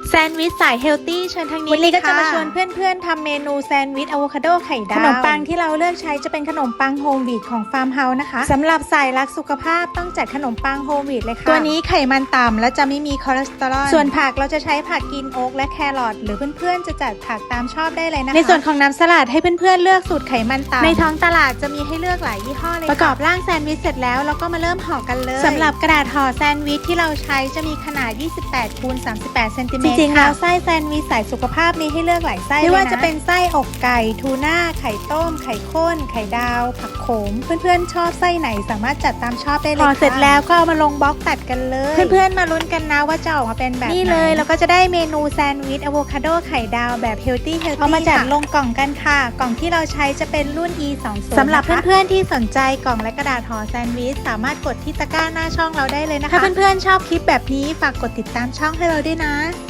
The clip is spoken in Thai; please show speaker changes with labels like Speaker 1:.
Speaker 1: แซนด์วิชสายเฮลตี้เชิญทางนี้
Speaker 2: วันนี้ก็จะมา
Speaker 1: ค่
Speaker 2: ชวนเพื่อนๆทำเมนูแซนด์วิชอะโวคาโดไข่ดาวขนมปังที่เราเลือกใช้จะเป็นขนมปังโฮมวีทของฟาร์มเฮาส์นะคะสำหรับสายรักสุขภาพต้องจัดขนมปังโฮมวีทเลยค่ะตัวนี้ไขมันต่ำและจะไม่มีคอเลสเตอรอลส่วนผักเราจะใช้ผักกินโอ๊กและแครอทหรือเพื่อนๆจะจัดผักตามชอบได้เลยนะคะในส่วนของน้ำสลัดให้เพื่อนๆเลือกสูตรไขมันต่ำในท้องตลาดจะมีให้เลือกหลายยี่ห้อเลยประกอบร่างแซนด์วิชเสร็จแล้วเราก็มาเริ่มห่อกันเลยสำหรับกระดาษห่อแซนด์วิชที่เราใช้จะมีขนาด 28 คูณ 38 เซนติเมตรจริงๆแล้วไส้แซนด์วิชสายสุขภาพมีให้เลือกหลายไส้ไม่ว่าจะเป็นไส้อกไก่ทูน่าไข่ต้มไข่ข้นไข่ดาวผักโขมเพื่อนๆชอบไส้ไหนสามารถจัดตามชอบได้เลยค่ะเสร็จแล้วก็เอามาลงบล็อกตัดกันเลยเพื่อนๆมาลุ้นกันนะว่าจะออกมาเป็นแบบนี้เลยเราก็จะได้เมนูแซนด์วิชอะโวคาโดไข่ดาวแบบเฮลตี้เอามาจัดลงกล่องกันค่ะกล่องที่เราใช้จะเป็นรุ่น E20 สำหรับเพื่อนๆที่สนใจกล่องและกระดาษห่อแซนด์วิชสามารถกดที่ตะกร้าหน้าช่องเราได้เลยนะคะถ้าเพื่อนๆชอบคลิปแบบนี้ฝากกดติดตามช่องให้เราด้วยนะ